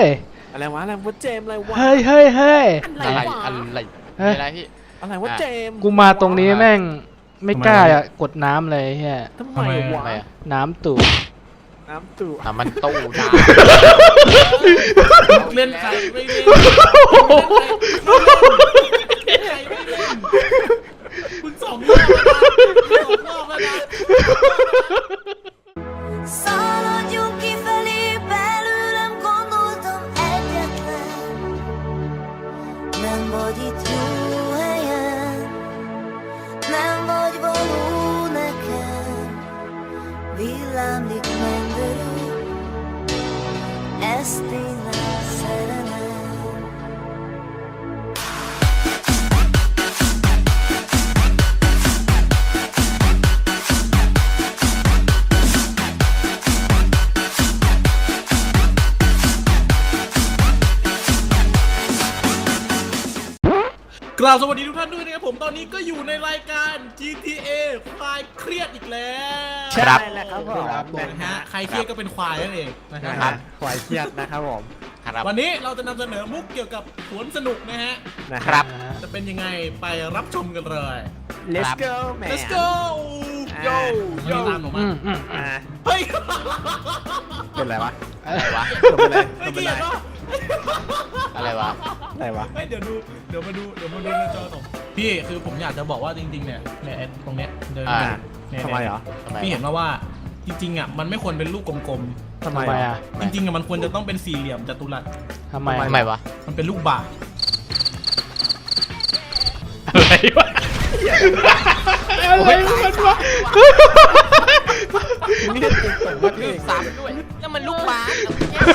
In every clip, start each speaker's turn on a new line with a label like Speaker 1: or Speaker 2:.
Speaker 1: ย
Speaker 2: อะไรวะอะไรวะเจมอะไรวะ
Speaker 1: เฮ้ยเฮ้ยเฮ้ย
Speaker 3: อะไรอะไรพี่
Speaker 2: อะไรวะเจม
Speaker 1: กูมาตรงนี้แม่งไม่กล้าอะกดน้ำเลยเฮีย
Speaker 2: ทำไมวะ
Speaker 1: น้ำตู่
Speaker 2: น้ำตู่
Speaker 3: มันตู้น้
Speaker 4: เล่นใครไม่เล่นคุณสองรอบแล้วนะ
Speaker 5: Szaladjunk kifelé, belőlem gondoltam egyetlen. Nem vagy itt jó helyen, nem vagy való nekem. Villámlik mennyörű, ez tényleg szerelem.
Speaker 4: กล่าวสวัสดีทุกท่านด้วยนะครับผมตอนนี้ก็อยู่ในรายการ GTA คลายเครียดอีกแล้ว
Speaker 2: ใช่แล้วครับผม
Speaker 4: นะฮะใครเครียดก็เป็นควายนั่นเองนะ
Speaker 2: นะ
Speaker 4: ค
Speaker 2: ค
Speaker 4: รั
Speaker 2: รั
Speaker 4: บบ
Speaker 2: ควายเครียดนะครับผม
Speaker 3: ครับ
Speaker 4: วันนี้เราจะนำเสนอมุกเกี่ยวกับสวนสนุกนะฮะ
Speaker 2: นะครับ
Speaker 4: จะเป็นยังไงไปรับชมกันเลย
Speaker 2: Let's go man
Speaker 4: Let's go โยโย่ตามผมมา
Speaker 2: อ่า
Speaker 4: เฮ้ย
Speaker 2: เป็นไรวะ
Speaker 3: อะไรวะ
Speaker 2: เป็นไร
Speaker 4: ไม่
Speaker 2: เป็น
Speaker 4: เกี่
Speaker 2: ไร
Speaker 4: ยวเนาะ
Speaker 3: อะไรวะ
Speaker 2: อะไรวะ
Speaker 4: เฮ้ยเดี๋ยวมาดูในจอผมพี่คือผมอยากจะบอกว่าจริงๆเนี่ยไอ้ตรงเนี้ยเดิน
Speaker 3: อ่า
Speaker 4: เนี่ย
Speaker 2: ทำไมเหรอ
Speaker 3: ทำไม
Speaker 4: พี่เห็นว่าจริงๆอ่ะมันไม่ควรเป็นลูกกลม
Speaker 2: ทำไม
Speaker 1: ทำไมอ่ะ
Speaker 4: ๆจริงๆอ่ะมันควรจะต้องเป็นสี่เหลี่ยมจัตุรัส
Speaker 1: ทำไม
Speaker 3: ทำไมวะ
Speaker 4: มันเป็นลูกบาศก์
Speaker 1: อะไรวะอะไรมันวะ
Speaker 2: นี่เป็นสมมติ
Speaker 3: ลืมซ้ำด้วยนั่นมันลูกบาส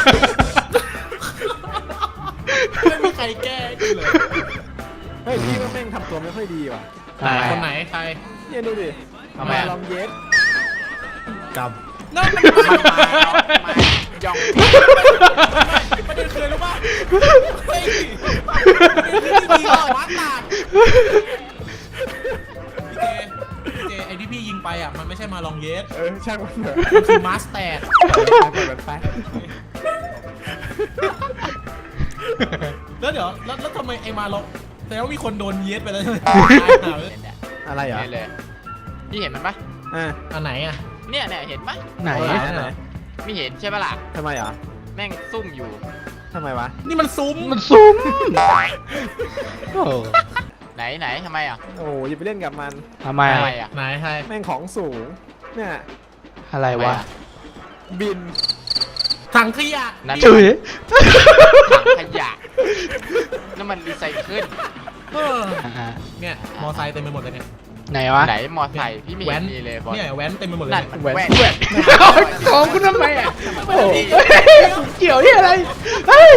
Speaker 4: ไม่มีใครแก้ให้กูเลย
Speaker 2: เฮ้ยพี่ว่าแม่งทำตัวไม่ค่อยดีว่ะ
Speaker 4: คนไหนใคร
Speaker 2: เนี่ยดูดิ
Speaker 3: ทำไม
Speaker 2: ลองเย็ด
Speaker 4: กำนั่นมันมา
Speaker 3: ย่อง
Speaker 4: ประเด็นคืออะไรรู้ป่ะเฮ้ยประเด็นคือที่ยิงออกวัดตาดพี่เจไอ้ที่พี่ยิงไปอ่ะมันไม่ใช่มาลองเยส
Speaker 2: ช่างมันเถอะ
Speaker 4: มันคือมาสแตด
Speaker 2: ไปแบบไป
Speaker 4: แล้วเดี๋ยวแล้วทำไมไอ้มาลองแต่ว่ามีคนโดนเยสไปแล้วใช่ไหม
Speaker 2: อะไรเหรอ
Speaker 3: นี่เลยพี่เห็นมันปะ
Speaker 2: อ่า
Speaker 4: อันไหนอ่ะ
Speaker 3: เนี่ยเห็นปะ
Speaker 1: ไหน
Speaker 2: ไหน
Speaker 3: ไม่เห็นใช่ปะล่ะ
Speaker 2: ทำไมเหรอ
Speaker 3: แม่งซุ่มอยู่
Speaker 2: ทำไมวะ
Speaker 4: นี่มันซุ้ม
Speaker 1: มันซุ้มโอ้
Speaker 3: ไหนทำไมอ่ะ
Speaker 2: โอ้ยอย่าไปเล่นกับมัน
Speaker 1: ทำไม
Speaker 3: ทำไม
Speaker 1: อะ
Speaker 3: อ่ะ
Speaker 4: ไหนใคร
Speaker 2: แม่งของสูงเนี่ย
Speaker 1: อะไรวะ
Speaker 2: บิน
Speaker 4: ถังขยะ
Speaker 3: นั่น
Speaker 1: จุ๋ย
Speaker 3: ถังขยะนั่นมันรีไซเคิล
Speaker 4: เออ
Speaker 1: อ่า
Speaker 4: เนี่ยมอไซค์เต็มไปหมดเลยเนี่ย
Speaker 1: ไหนวะ
Speaker 3: ไหนมอไซค์พี่ไม่เห็นมีเลยบอล
Speaker 4: เนี่ยแว้นเต็มไปหมดเลย
Speaker 3: นั่น
Speaker 4: เนี่ย
Speaker 3: มันแว่น
Speaker 1: ของคุณทำไมอ่ะโอ้เกี่ยวที่อะไรเฮ้ย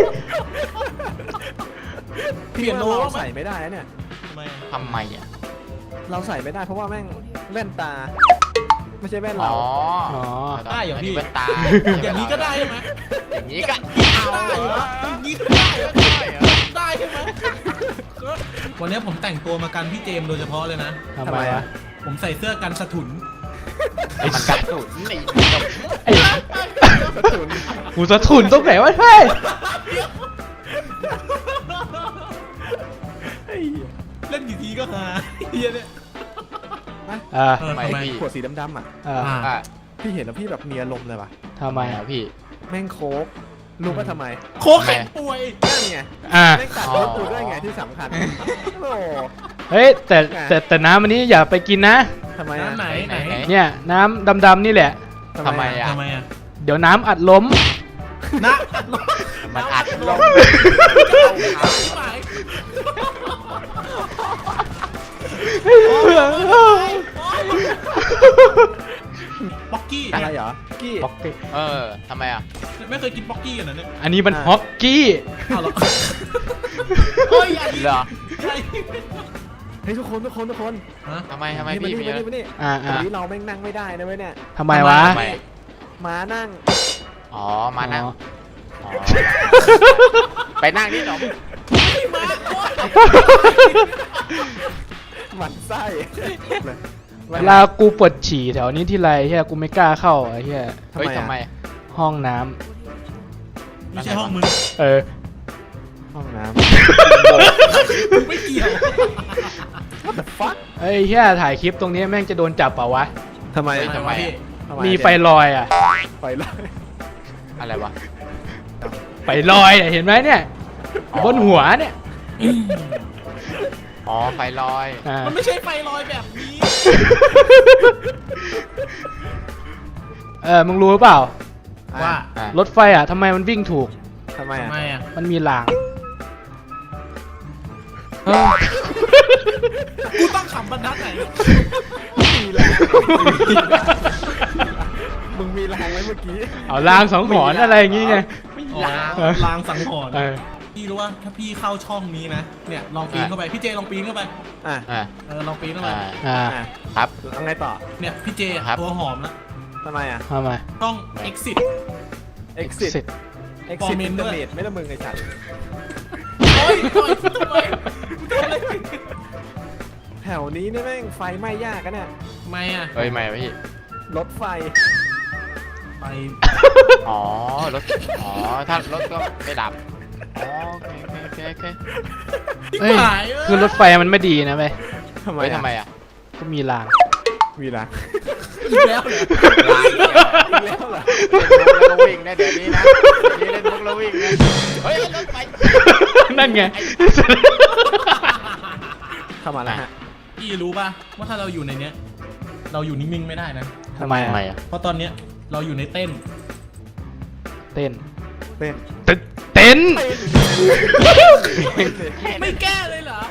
Speaker 4: เปลี่ยนโน้
Speaker 2: เรา
Speaker 4: ตไหม
Speaker 2: ใส่ไม่ได้นะเนี่ย
Speaker 4: ทำไมอะ
Speaker 3: ทำไมอ่ะ
Speaker 2: เราใส่ไม่ได้เพราะว่าแม่งแว่นตา ไม่ใช่แว่น
Speaker 3: อ๋
Speaker 2: เรา
Speaker 3: อ
Speaker 4: ได้อย่างพี่
Speaker 3: แว่นตา
Speaker 4: อย่างนี้ก็ได้ใช่ไหม
Speaker 3: อย่างนี้ก็
Speaker 4: ได้เหรออย่างนี้ก็ได้เหรอได้ใช่ไหมวันนี้ผมแต่งตัวมากันพี่เจมส์โดยเฉพาะเลยนะ
Speaker 1: ทำไมวะ
Speaker 4: ผมใส่เสื้อกันสะถุน
Speaker 3: มันกระสุนนี่
Speaker 1: ไอ้กูสะทุนตรงไหนวะเฮ้ย
Speaker 4: เล่นกี่ทีก็ฮาเฮียเนี่ย
Speaker 1: อ่า
Speaker 4: เออ
Speaker 3: ไม่
Speaker 4: ทำไม
Speaker 3: พี่
Speaker 2: ขวดสีดำๆอ่ะ
Speaker 1: อ่า
Speaker 3: อ่ะ
Speaker 2: พี่เห็นแล้วพี่แบบมีอารมณ์เลยว่ะ
Speaker 1: ทำไม
Speaker 3: ไม่
Speaker 1: อ่ะ
Speaker 3: อะพี่
Speaker 2: แม่งโค้กรู้ป่ะทำไม
Speaker 4: โคกแข็งป่วย
Speaker 2: นั่นไง
Speaker 1: อ่า
Speaker 2: แม่งตัดรถกูด้วยไงที่สำคัญโอ้
Speaker 1: เฮ้ยแต่น้ำอันนี้อย่าไปกินนะ
Speaker 2: ทำไมอ่ะ
Speaker 4: น้ำไหน
Speaker 1: เนี่ยน้ำดำๆนี่แหละ
Speaker 3: ทำไมอ่ะ
Speaker 4: ทำไมอ่ะ
Speaker 1: เดี๋ยวน้ำอัดล้ม
Speaker 4: นะ
Speaker 3: มันอัดลม
Speaker 4: ที่หมายป๊อกกี้
Speaker 2: อะไรเหรอกี้
Speaker 1: ป๊อกกี้
Speaker 3: ทำไมอ่ะ
Speaker 4: ไม่เคยกินป๊อกกี้กันเหรอเนี่ย
Speaker 1: อันนี้มันฮอกกี้
Speaker 4: อ้าวเหรอเฮ้ยอันนี้
Speaker 3: เหรอ
Speaker 2: เฮ้ยทุกคน
Speaker 4: ฮะ
Speaker 3: ทำไม
Speaker 2: นี่
Speaker 3: พี่มี
Speaker 2: มา
Speaker 3: อะไร
Speaker 2: นี่
Speaker 1: อ่า
Speaker 2: วันนี้เราแม่งนั่งไม่ได้นะเว้ยเนี่ย
Speaker 1: ทำไมวะ
Speaker 3: ทำไม
Speaker 2: ม้านั่ง
Speaker 3: อ๋อ มานั่ง
Speaker 1: อ๋อ
Speaker 3: อ๋อ ไปนั่งนี่หนอม
Speaker 2: หมันไส้
Speaker 1: เวลากูปวดฉี่แถวนี้ที่ไรเฮียกูไม่กล้าเข้าไอ้เฮีย
Speaker 3: เฮ้ยทำไม
Speaker 1: ห้องน้
Speaker 4: ไม่ใช่ห้องมึง
Speaker 1: เออ
Speaker 2: ห้องน้
Speaker 4: ไม่เกี่ยว
Speaker 2: ำ What the fuck
Speaker 1: เฮ้ยเฮียถ่ายคลิปตรงนี้แม่งจะโดนจับเปล่าวะ
Speaker 2: ทำไม
Speaker 3: ทำไมอะ
Speaker 2: ทำไ
Speaker 1: มีไฟลอยอ่ะ
Speaker 2: ไฟลอย
Speaker 3: อะไรวะ
Speaker 1: ไฟลอยเนี่ยเห็นไหมเนี่ย บนหัวเนี่ย
Speaker 3: อ๋อไฟลอย
Speaker 1: อ่า
Speaker 4: มันไม่ใช่ไฟลอยแบบนี้
Speaker 1: มึงรู้หรือเปล่า
Speaker 4: ว่า
Speaker 3: อ่ะ
Speaker 1: รถไฟอ่ะทำไมมันวิ่งถูก
Speaker 2: ทำไม
Speaker 4: ทำไม
Speaker 2: อ่ะ
Speaker 4: อ่ะ
Speaker 1: มันมีราง
Speaker 4: กูต้องขำบรรทัดไหน
Speaker 2: มึงมีแรงไหมเมื่อกี้
Speaker 1: เอารางสองหอนอะไรอย่างงี้ไง
Speaker 4: อ๋อลางสังหรณ์
Speaker 1: เออ
Speaker 4: พี่รู้ว่าถ้าพี่เข้าช่องนี้นะ เนี่ยลองปีนเข้าไป พี่เจลองปีนเข้าไป
Speaker 2: อ่ะ
Speaker 3: อ่ะ
Speaker 4: ลองปีนเข้าไป
Speaker 3: อ่ะ
Speaker 1: อ่า
Speaker 2: อ่ะ
Speaker 3: ครับ
Speaker 2: แล้วไงต่อ
Speaker 4: เนี่ยพี่เจ
Speaker 3: ครับ
Speaker 4: ตัวหอมแล้ว
Speaker 2: ทำไมอ่ะ
Speaker 1: ทำไม
Speaker 4: ต้อง exit
Speaker 2: exit
Speaker 1: Exit
Speaker 2: exit
Speaker 4: คอมเมนต์ด้วย
Speaker 2: internet ไม่ละมึงไอ้ฉัน
Speaker 4: โอ้ยปล่อยกูทำไมกูทำอะไรผิด
Speaker 2: แถวนี้นี่แม่งไฟไหม้ยากกันเนี่ย
Speaker 4: ทำไมอ่ะ
Speaker 3: เฮ้ยไม่พี่
Speaker 2: รถไฟ
Speaker 4: ไป
Speaker 3: อ๋อรถอ๋อถ้ารถก็ไม่ดับอ๋อโอเคโอเคโอเค
Speaker 1: เฮ้ย
Speaker 4: หาย
Speaker 1: คือรถไฟมันไม่ดีนะเว้ย
Speaker 2: ทำไม
Speaker 3: เฮ้ย
Speaker 2: อ่ะ
Speaker 3: ทำไมอ่ะ
Speaker 1: ก็มีราง
Speaker 2: วีละ
Speaker 4: อีกแล้วเหรอ
Speaker 3: ลายเนี่ย
Speaker 2: อีกแล้วเหรอ
Speaker 3: เล่นมุกแล้วก็วิ่งนะเดี๋ยวนี้นะเดี๋ยวนี้เล่นมุกแล้ววิ่งนะเฮ้ยรถไฟ
Speaker 1: นั่นไง
Speaker 2: เข้ามาแล้วฮะ
Speaker 4: พี่รู้ป่ะว่าถ้าเราอยู่ในเนี้ย เราอยู่นิ่งๆไม่ได้นะ
Speaker 1: ทำไม
Speaker 3: ทำไม
Speaker 1: อ่ะ
Speaker 3: อ่ะ
Speaker 4: เพราะตอนเนี้ยเราอยู่ในเต้น
Speaker 1: เต้น
Speaker 2: เต้น
Speaker 1: เต้น
Speaker 4: ไม่แก้เลยเหรอ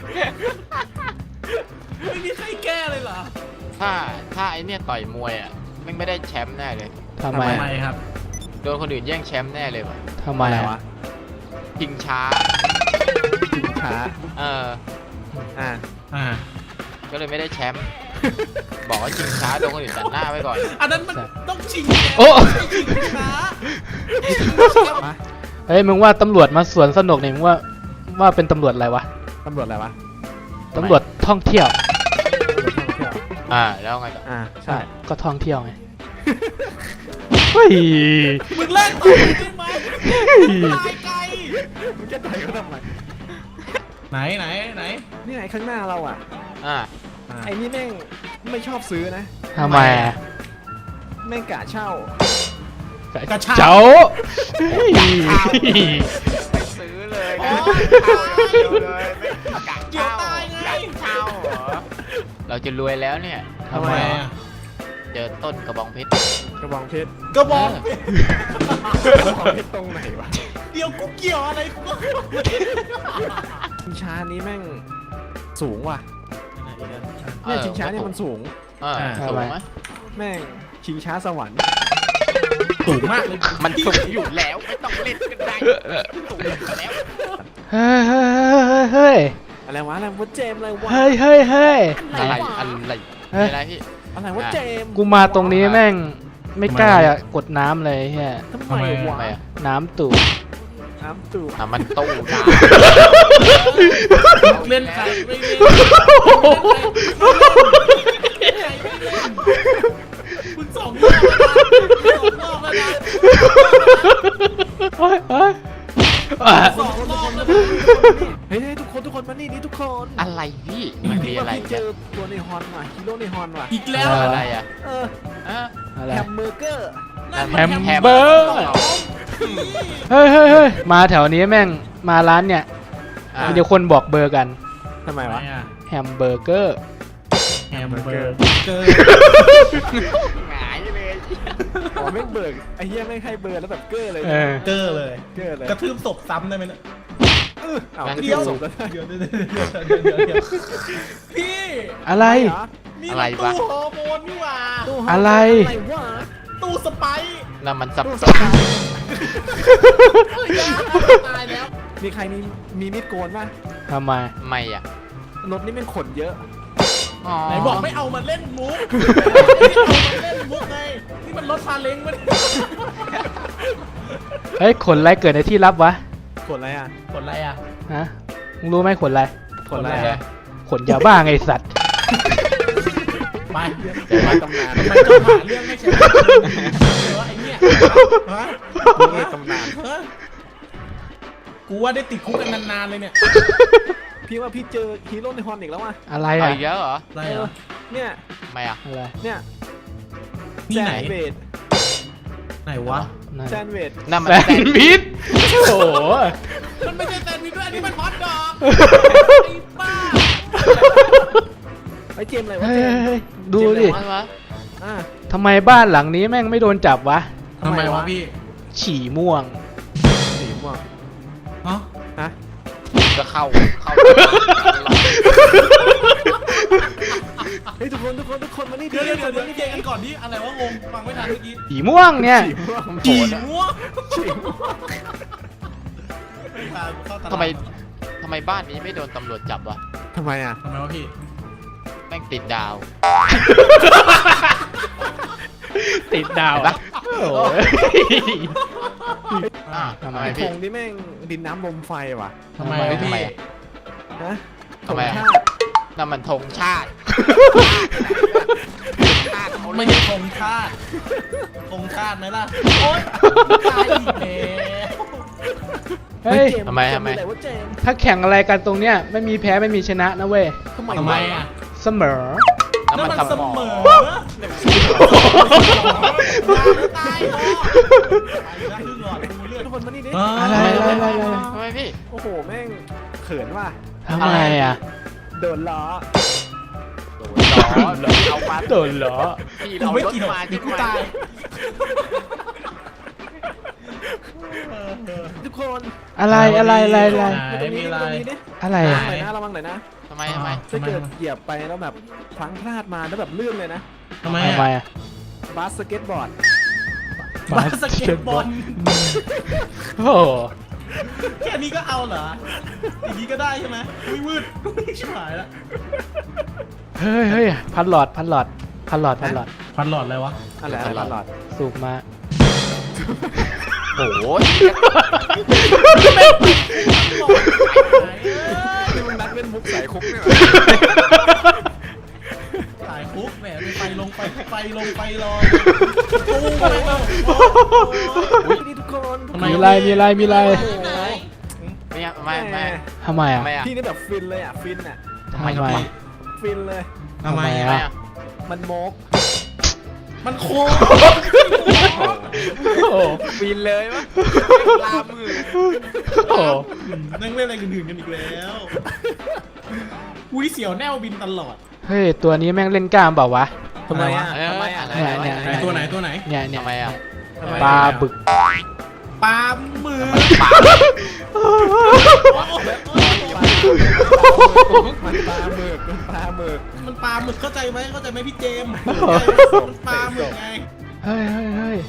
Speaker 4: ไม่มีใครแก้เลยเหรอ
Speaker 3: ถ้าไอเนี่ยต่อยมวยอ่ะไม่ได้แชมป์แน่เลย
Speaker 1: ทำไม
Speaker 4: ทำไมครับ
Speaker 3: โดนคนอื่นแย่งแชมป์แน่เลยว่ะ
Speaker 1: ทำไม
Speaker 2: อะไร
Speaker 1: อ่ะ
Speaker 2: วะ
Speaker 3: ชิงช้า
Speaker 2: ชิงช้า
Speaker 3: เออ
Speaker 2: อ่ะ
Speaker 4: อ่า
Speaker 3: ก็เลยไม่ได้แชมป์บอกว่าชิงช้าโดนคนอื่นตัดหน้าไว้ก่อน
Speaker 4: อันนั้นมันต้องชิง
Speaker 1: โอ้
Speaker 4: ชิงช้า
Speaker 2: มา
Speaker 1: เฮ้ยมึงว่าตำรวจมาสวนสนุกเนี่ยมึงว่าเป็นตำรวจอะไรวะ
Speaker 2: ตำรวจอะไรวะ
Speaker 1: ตำรวจท่องเที่ยว
Speaker 2: ตำรวจท่องเที่ยว
Speaker 3: แล้วไงต่อ
Speaker 2: อ่ะใช่
Speaker 1: ก็ท่องเที่ยวไง เฮ้ย
Speaker 4: มึงเล่นต่อได้ไหมตายไกล
Speaker 2: มึงจะต่อยเขาทำไม
Speaker 4: ไหนไหน
Speaker 2: นี่ไงข้างหน้าเราอ่ะ
Speaker 3: อ่า
Speaker 2: ไอ้นี่แม่งไม่ชอบซื้อนะ
Speaker 1: ทำไมอ่ะ
Speaker 2: แม่งกะเช่า
Speaker 4: กระชาก
Speaker 1: เจ้าเฮ้ย
Speaker 3: ไม่ซื้อเลย
Speaker 4: อ๋อ
Speaker 3: เดียวเลยไม่กะ
Speaker 4: เกี่ยว
Speaker 3: เช่า
Speaker 4: ตายไง
Speaker 3: กะเช่าเหรอเราจะรวยแล้วเนี่ย
Speaker 1: ทำไม
Speaker 4: อ่ะ
Speaker 3: เจอต้นกระบองเพชร
Speaker 2: กระบองเพชร
Speaker 4: กระบอก
Speaker 2: กระบองเพชรตรงไหนวะ
Speaker 4: เดี๋ยวกูเกี่ยวอะไรกูก็
Speaker 2: ชิงช้านี้แม่งสูงว่ะเนี่ยชิงช้าเนี่ยมันสูง
Speaker 3: สูงไหม
Speaker 2: แม่งชิงช้าสวรรค์
Speaker 4: สูงมากเลย
Speaker 3: มันสูงอยู่แล้วไม่ต้องเล่นกันได้สูงอยู่แล้ว
Speaker 1: เฮ้ยเฮ้ย
Speaker 2: อะไรวะอะไรวะเจมส์อะไรวะ
Speaker 1: เฮ้ยเฮ้ยเฮ้ย
Speaker 3: อะไร
Speaker 2: วะ
Speaker 3: อะไร
Speaker 1: เฮ้ย
Speaker 3: อะไรพี่
Speaker 2: อะไรวะเจมส์
Speaker 1: กูมาตรงนี้แม่งไม่กล้าอะกดน้ำเลยเฮีย
Speaker 2: ทำไมวะ
Speaker 3: ทำไมอ่ะ
Speaker 1: น้ำตู่
Speaker 2: น้ำตู่
Speaker 3: มันตู้น้
Speaker 4: เล่นใครไม่เล่นมึงสองรอบแล้วนะ
Speaker 1: เฮ้ยเฮ้ยอ่ะ
Speaker 4: สองรอบแล้วนะ
Speaker 2: เฮ้ยทุกคนมานี่นี่ทุกคน
Speaker 3: ำอะไรพี่มันมีอะไร
Speaker 2: เจ
Speaker 3: เนี่ย
Speaker 2: อตัวในฮอนว่ะฮีโร่ในฮอนว่ะ
Speaker 4: อีกแล้ว
Speaker 3: อะไรอ่ะ
Speaker 2: เออ
Speaker 1: อะไร
Speaker 2: แฮมเบอร์เกอร์
Speaker 4: นั่น
Speaker 1: แฮ
Speaker 4: มัน
Speaker 1: ม
Speaker 4: แฮม
Speaker 1: เบอร์เกอร์เฮ้ยเฮ้ยเฮ้ยมาแถวนี้แม่งมาร้านเนี่ยเดี๋ยวคนบอกเบอร์กัน
Speaker 2: ทำไมวะ
Speaker 1: แฮมเบอร์เกอร์
Speaker 4: แฮมเบอร์เกอร์
Speaker 3: หงายเลย
Speaker 2: อ๋อแม่งเบิร์กไอ้เหี้ยแม่งให้เบอร์แล้วแบบเกอร์เลย
Speaker 1: เออ
Speaker 4: เกอร์เลย
Speaker 2: เกอร์เลย
Speaker 4: กระทืบศพซ้ำได้ไหมเนี่ย
Speaker 2: เอา
Speaker 4: เดี๋ยว
Speaker 2: สูงแล้วได้
Speaker 4: เดี๋ยวพี่
Speaker 1: อะไร
Speaker 2: เหรอ
Speaker 4: นี่มันตู้ฮอร์โมนนี่หว่า
Speaker 2: ตู้ฮ
Speaker 1: อะไร
Speaker 2: อะไรวะ
Speaker 4: ตู้สไปซ์
Speaker 3: แล้วมันสับ
Speaker 2: ตู้
Speaker 3: ส
Speaker 2: ส
Speaker 3: น
Speaker 2: ปาย
Speaker 4: เฮ้ยตายแล้ว
Speaker 2: มีใครมีมีดโกนป่ะ
Speaker 1: ทำไม
Speaker 3: ไม่อ่ะ
Speaker 2: รถนี่แม่งขนเยอะ
Speaker 4: ไหนบอกไม่เอามาเล่นมุกไม่เอามาเล่นมุกไงนี่มันรถซาเล้งมัน
Speaker 1: เฮ้ยขนอะไรเกิดในที่ลับวะ
Speaker 2: ขนอะไรอ่ะ
Speaker 4: กดอะไรอ่ะ
Speaker 1: ฮะมึงรู้ไหมขนอะไร
Speaker 2: ขนอะไร
Speaker 3: เลย
Speaker 2: อ่ะ
Speaker 1: ขนยาบ้าไงไอ้สัตว์
Speaker 4: ไป
Speaker 2: เดี๋ยวมาตำนาน
Speaker 4: ทำไมเจ้าหาเรื่องไม่ใช่เหรอไอ้เนี่ยฮะ
Speaker 2: มึงในตำนาน
Speaker 4: ฮะกูว่าได้ติดคุกกันนานๆเลยเนี่ย
Speaker 2: พี่ว่าพี่เจอฮีโร่ในฮอนอีกแล้วว่ะ
Speaker 1: อะไร
Speaker 3: เอา
Speaker 1: อ่ะ
Speaker 3: อีกแล้วเหรอ
Speaker 4: อะไรเหรอ
Speaker 2: เนี่ย
Speaker 3: ทำไมอ่ะ
Speaker 1: อะไร
Speaker 2: เนี่ย
Speaker 4: นี่ไหน
Speaker 2: แซนเวด
Speaker 4: ไหนวะ
Speaker 1: นั่น
Speaker 2: แซนเวด
Speaker 3: นั่นมัน
Speaker 1: แซนด์วิชโอ้โห
Speaker 4: มันไม่ใช่แซนด์วิชด้วยอันนี้มันฮอตดอกไอ้บ้า
Speaker 2: ไอ้เจมส์อะไรวะ
Speaker 1: เฮ้
Speaker 2: เจมส์
Speaker 1: ยดูดิ
Speaker 3: อะไรวะ
Speaker 2: อ่า
Speaker 1: ทำไมบ้านหลังนี้แม่งไม่โดนจับวะ
Speaker 4: ทำไมวะพี่
Speaker 1: ฉี่ม่วง
Speaker 2: สีม่วง
Speaker 4: ฮะ
Speaker 2: ฮะ
Speaker 3: ก็เข้า
Speaker 2: เฮ้ยทุกคนมานี่
Speaker 4: เดี๋ยว
Speaker 2: ทุกคน
Speaker 4: นี่เจกันก่อนดิอะไรวะงงฟังไม่ทันเมื่อกี้
Speaker 1: ฉี่ม่วงเนี่ย
Speaker 2: สีม่วง
Speaker 3: จีน
Speaker 4: ม่วงไม่พาเข้าตลาด
Speaker 3: ทำไมบ้านนี้ไม่โดนตำรวจจับวะ
Speaker 2: ทำไมอ่ะ
Speaker 4: ทำไมวะพี่
Speaker 3: แม่งติดดาว
Speaker 1: ติดดาว
Speaker 3: เห็นปะ
Speaker 1: โอ้ย
Speaker 3: ทำไม
Speaker 2: ไอ้
Speaker 3: พี่
Speaker 2: ธงนี่แม่งดินน้ำลมไฟว่ะ
Speaker 4: ทำไม
Speaker 3: ทำไม
Speaker 4: พี่
Speaker 3: อะ
Speaker 2: ฮะ
Speaker 3: ทำไมอะ
Speaker 2: ธงชาติ
Speaker 3: นั่นมันธงชาติชาติเขา
Speaker 4: ไม่
Speaker 3: เล่น
Speaker 4: ใช่ธงชาติธงชาติไหมล่ะโอ๊ยตายอีกแล้ว
Speaker 1: เฮ้ย
Speaker 2: เจส์
Speaker 3: ทำไม
Speaker 2: เจส์อะไรวะเจมส์
Speaker 1: ถ้าแข่งอะไรกันตรงเนี้ยไม่มีแพ้ไม่มีชนะนะเว้ย
Speaker 4: ทำไมอ่ะ
Speaker 1: เสมอ
Speaker 3: นั่นมันสมอง
Speaker 4: ตายพ่อตายครึ่งหลอดกูเลือด
Speaker 2: ทุกคนมานี่ดิ
Speaker 1: อะไร
Speaker 3: ทำไมพี่
Speaker 2: โอ้โหแม่งเขินว่ะ
Speaker 1: ทำไมอ่ะ
Speaker 2: โดนล้อ
Speaker 3: เอามา
Speaker 1: โดนเหรอ
Speaker 3: พี่
Speaker 4: กู
Speaker 3: เรา
Speaker 4: ไม่
Speaker 3: รถ
Speaker 4: กินหรอก
Speaker 3: มา
Speaker 4: เดี๋ยวกูตาย
Speaker 2: ทุกคน
Speaker 1: อะไร
Speaker 2: มาตรง
Speaker 4: ไหน
Speaker 2: นี้
Speaker 4: มีอะไร
Speaker 2: มาตรงนี้ดิ
Speaker 1: อะไร
Speaker 2: ระ
Speaker 1: อ่ะ
Speaker 2: วังหน่อยนะระวังหน่อยนะ
Speaker 3: ทำไม
Speaker 2: ถ้าเกิดเหยียบไปแล้วแบบพลั้งพลาดมาแล้วแบบลื่นเลยนะ
Speaker 4: ทำไม
Speaker 1: ทำไม
Speaker 4: อ่ะ
Speaker 1: อ่ะ
Speaker 2: บาสเกตบอร์ด
Speaker 4: บาสเกตบอล
Speaker 1: โอ้โห
Speaker 4: แค่นี้ก็เอาเหรออย่างนี้ก็ได้ใช่ไหมอุ้ยมืดชิบหายละ
Speaker 1: เฮ้ยเฮ้ยพันหลอดพันหลอดพันหลอดพันหลอด
Speaker 4: ฟันหลอดอะไรวะ
Speaker 2: อะไรตลอด
Speaker 1: สูบมา
Speaker 3: โอ้โห
Speaker 2: ที่มึงนัดเป็นมุกใส่คุกเนี่ย
Speaker 4: สายคุกแหมไปลงไปรอตู้ไปแล้ว
Speaker 2: นี่ทุกคน
Speaker 4: ทำไม
Speaker 1: มีอะไรมีอะไรมีอะไร
Speaker 3: ไม่
Speaker 1: ทำไมอ่ะ
Speaker 3: ทำไมอ่ะ
Speaker 2: พี่นี่แบบฟินเลยอ่ะฟินอ่ะ
Speaker 1: ทำไม
Speaker 2: ฟินเลย
Speaker 4: ทำไม
Speaker 1: ทำไม
Speaker 4: อ่ะ
Speaker 1: อ่ะ
Speaker 2: มันโมก
Speaker 4: มันโค้ง
Speaker 1: โอ้โห
Speaker 3: ฟินเลยวะลามือ
Speaker 1: โอ้โห
Speaker 4: นั่งเล่นอะไรอื่นๆกันอีกแล้วอุ้ยเสียวแนวบินตลอด
Speaker 1: เฮ้ยตัวนี้แม่งเล่นกล้ามเปล่าวะ
Speaker 2: ทำไมอ่ะทำไมอ่ะ
Speaker 1: เนี่ย
Speaker 4: ตัวไหน
Speaker 1: เนี่ยเนี่ย
Speaker 3: ทำไมอ่ะ
Speaker 1: ปลาบึก
Speaker 4: ปลาหมึก
Speaker 3: ปาก
Speaker 2: มันปลาหมึกมันปลาหมึก
Speaker 4: มันปลาหมึกเข้าใจไหมพี่เจมส์มันปลาหมึกไง
Speaker 1: เฮ้ยเฮ้ยเฮ้ย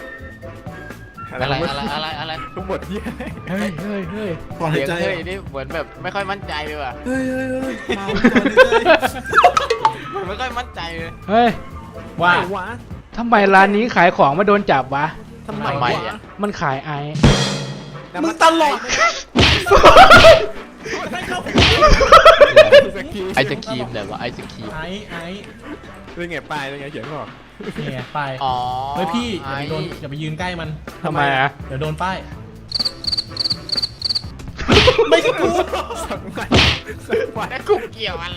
Speaker 3: อะไร
Speaker 2: ทั้งหมดเยี่ย
Speaker 1: เฮ้ยเฮ้ยเฮ้ย
Speaker 4: ก่อนหา
Speaker 3: เสี
Speaker 4: ย
Speaker 3: ยง
Speaker 4: ใจ
Speaker 3: เฮ้ยนี่เหมือนแบบไม่ค่อยมั่นใจเลยว่ะ
Speaker 4: เฮ้ยมาก่อนหายใจ
Speaker 3: ไม่ค่อยมั่นใจเลย
Speaker 1: เฮ้ย
Speaker 4: ว่า
Speaker 2: วะ
Speaker 1: ทำไมร้านนี้ขายของมาโดนจับวะ
Speaker 2: ทำไม
Speaker 3: ทำไม
Speaker 2: วะ
Speaker 3: อ่ะ
Speaker 1: มันขายไอซ์
Speaker 4: มึงตลอดให้เข้า
Speaker 3: ไอศครีมเนี่ยวะไอศครีม
Speaker 4: ไอ้
Speaker 2: เป็นไงปลายเป็นไงเขียนบอก
Speaker 4: เนี่ยไป
Speaker 3: อ๋อ
Speaker 4: เฮ้ยพี่อย่าไปยืนใกล้มัน
Speaker 1: ทำไมอ่ะ
Speaker 4: เดี๋ยวโดนป้ายไม่ใช่กู
Speaker 2: สักวันสักวัน
Speaker 3: แล้วกูเกี่ยวอะไร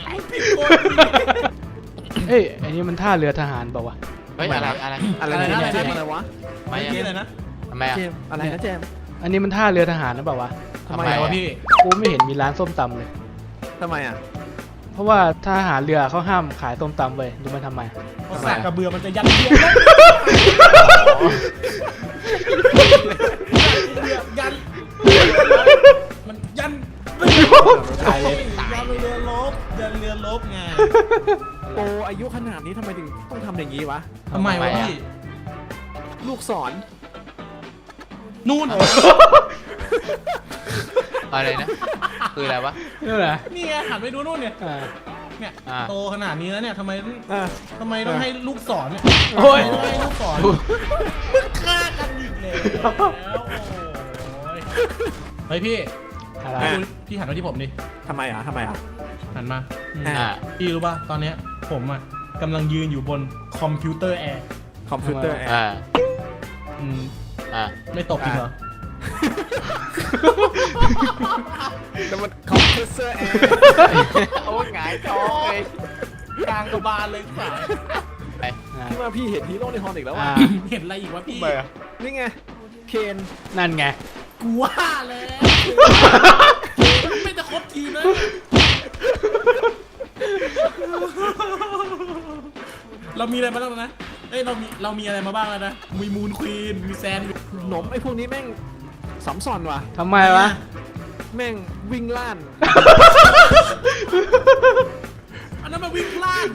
Speaker 1: เฮ้ยอันนี้มันท่าเรือทหารเปล่าวะ
Speaker 3: เฮ้ยอะไร
Speaker 2: อะไรนะเจมอะไรวะ
Speaker 3: ทำไม
Speaker 4: เมื่อกี้
Speaker 3: อ่ะ
Speaker 4: เลยนะ
Speaker 3: ทำไมอ่ะ
Speaker 2: เจมอะไรนะเจม
Speaker 1: อันนี้มันท่าเรือทหารนะเปล่าวะ
Speaker 3: ทำไม
Speaker 4: ทำไม
Speaker 3: อ่ะ
Speaker 4: วะพี่
Speaker 1: กูไม่เห็นมีร้านส้มตำเลย
Speaker 2: ทำไมอ่ะ
Speaker 1: เพราะว่าทหารเรือเขาห้ามขายส้มตำเว้ยดูมันทำไม
Speaker 4: เพราะสากกระเบือมันจะยันเยียยันมันยัน
Speaker 1: ตายเลย
Speaker 4: ยันเรือลบไง
Speaker 2: โออายุขนาดนี้ทำไมถึงต้องทำอย่างนี้วะ
Speaker 4: ทำไมวะพี่
Speaker 2: ลูกศร
Speaker 4: นู่น
Speaker 3: อะไรนะคืออะไรวะ
Speaker 1: นี่แหละ
Speaker 4: นี่ไงหันไปดูนู่นเนี่ย
Speaker 1: อ่า
Speaker 4: เนี่ย
Speaker 3: อ่า
Speaker 4: โตขนาดนี้แล้วเนี่ยทำไม
Speaker 2: อ่ะ
Speaker 4: ต้องให้ลูกศรเนี่ย
Speaker 1: โอ้ย
Speaker 4: ทำไมให้ลูกศรฆ่ากันอีกแล้วโอ้ยเฮ้ยพี่
Speaker 1: อะไร
Speaker 4: พี่หันมาที่ผมดิ
Speaker 2: ทำไมอ่ะทำไมอ่ะ
Speaker 4: หันมา
Speaker 3: อ่า
Speaker 4: พี่รู้ป่ะตอนเนี้ยผมอ่ะกำลังยืนอยู่บนคอมพิวเตอร์แอร์
Speaker 2: คอมพิวเตอร์แอร์
Speaker 3: อ่า
Speaker 4: อืม
Speaker 3: อ่า
Speaker 4: ไม่ตกจริงเหรอ
Speaker 2: แต่มันคอมเพรสเซอร์แอร์
Speaker 3: โอ้ยหงายท้องเลย
Speaker 4: กลางกระบาลเลยสาย
Speaker 2: พี่ว่าพี่เห็นฮีโร่ในฮอนอีกแล้วว่ะ
Speaker 4: เห็นอะไรอีกวะพี่
Speaker 3: ไปอะ
Speaker 2: นี่ไงเคน
Speaker 1: นั่นไง
Speaker 4: กูว่าแล้วไม่จะครบทีมนะเรามีอะไรมาบ้างนะเอ้ยเรามีอะไรมาบ้างแล้วนะมีมูนควีนมีแซน
Speaker 2: หนมไอ้พวกนี้แม่งสัมซอนว่ะ
Speaker 1: ทำไมวะ
Speaker 2: แม่งวิ่งล่าน
Speaker 4: อันนั้นมาวิ่งพลาด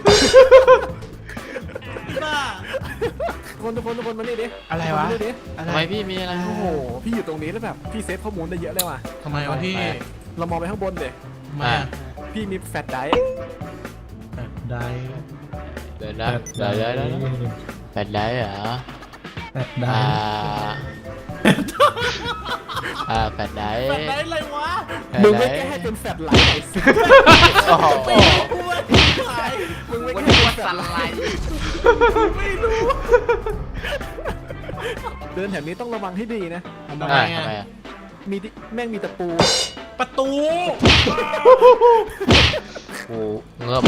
Speaker 4: บ้า
Speaker 2: ทุกคนมานี่ดิ
Speaker 1: อะไรวะ
Speaker 2: มานี่ดิ
Speaker 3: ทำไมพี่มีอะไร
Speaker 2: โอ้โหพี่อยู่ตรงนี้แล้วแบบพี่เซฟข้อมูลได้เยอะเลยว่ะ
Speaker 4: ทำไมวะพี่
Speaker 2: เรามองไปข้างบนเลย
Speaker 4: ทำไมา
Speaker 2: พี่มีแฟลชไดรฟ์
Speaker 4: ได้
Speaker 3: เดี๋ยวนะเดี๋ยวเป็นไรเหรอ
Speaker 4: ได้
Speaker 3: แปดได้
Speaker 4: แบบไหนเลยวะ
Speaker 2: มึงไม่แก้ให้เป็นแฟลชไลท์ไอ้สิ
Speaker 3: โอ้โห
Speaker 4: ไม่รู้ว่าขาย
Speaker 2: มึงไม่
Speaker 3: วัน
Speaker 2: แก้
Speaker 3: นี้
Speaker 2: ให้
Speaker 3: ว่า
Speaker 2: เป็นแฟล
Speaker 3: สั
Speaker 2: ช
Speaker 3: น
Speaker 2: ไล
Speaker 3: ไล
Speaker 2: ท์เดินแถวนี้ต้องระวังให้ดีนะ
Speaker 1: ทำไม
Speaker 3: ทำไมอ่ะ
Speaker 2: มีดิแม่งมีตะปู
Speaker 4: ประตู
Speaker 3: กูเงือบ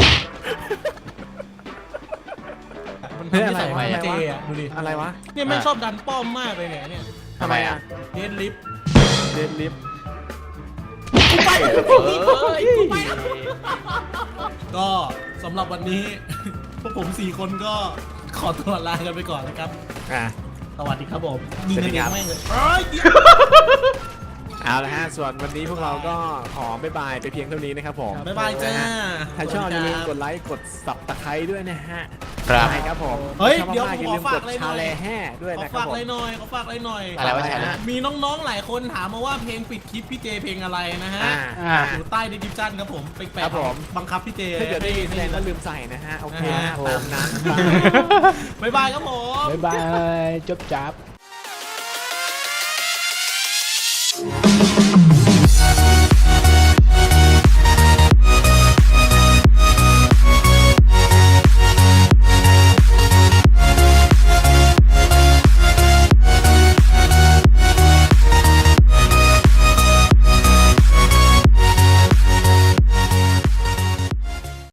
Speaker 4: มันทำให้ใส่ไม้เจอ่ะดูดิ
Speaker 2: อะไรวะ
Speaker 4: เนี่ยไม่ชอบดันป้อมมากเลยเนี่ย
Speaker 3: ทำไมอ่ะ
Speaker 4: เดนลิฟ
Speaker 2: เดนลิฟต์
Speaker 4: กูไป
Speaker 3: เอ้ย
Speaker 4: กูไปก็สำหรับวันนี้ พวกผม4คนก็ขอตัวลากันไปก่อนนะครับ
Speaker 2: อ่ะ
Speaker 4: สวัสดีครับผมยิง
Speaker 2: สวัส
Speaker 4: กั
Speaker 2: ดี
Speaker 4: น
Speaker 2: ครับ
Speaker 4: แม่งเลยเอ้ยเดี๋ยว
Speaker 2: เอาละฮะส่วนวันนี้พวกเราก็ขอบ๊ายบายไปเพียงเท่านี้นะครับผม
Speaker 4: บ๊ายบายจ้า
Speaker 2: ถ้าชอบอย่าลืมกดไลค์กดสับตะไคร้ด้วยนะฮะ
Speaker 3: ครับ
Speaker 2: ใช่ครับผม
Speaker 4: เฮ้ย
Speaker 2: ชอบ
Speaker 4: เดี๋ยว
Speaker 2: มากๆ
Speaker 4: ผม
Speaker 2: อย่าลืม
Speaker 4: ขอฝาก
Speaker 2: กด
Speaker 4: อะไรหน่
Speaker 2: ชา
Speaker 4: อย
Speaker 2: แลแห่ด้วย
Speaker 4: ขอ
Speaker 2: นะครับ
Speaker 4: ฝาก
Speaker 2: ผ
Speaker 4: อะไร
Speaker 2: ม
Speaker 4: หน่อยขอฝากอะไรหน่อย
Speaker 3: อะไรวะชาแนล
Speaker 4: มีน้องๆหลายคนถามมาว่าเพลงปิดคลิปพี่เจเพลงอะไรนะฮะ
Speaker 2: อ่า
Speaker 1: อ่า
Speaker 4: อยู่ใต้ดีสคริปชั่นครับผมไปแปะ
Speaker 2: ครับผม
Speaker 4: บังคับพี่เจ
Speaker 2: ถ้าเกิดได้ยินแสดง
Speaker 4: ให้
Speaker 2: ว่าลืมใส่นะฮะ โอเค
Speaker 4: อ่า
Speaker 2: นะตามนั้น
Speaker 4: บ๊ายบายครับผม
Speaker 1: บ๊ายบาย จบจับ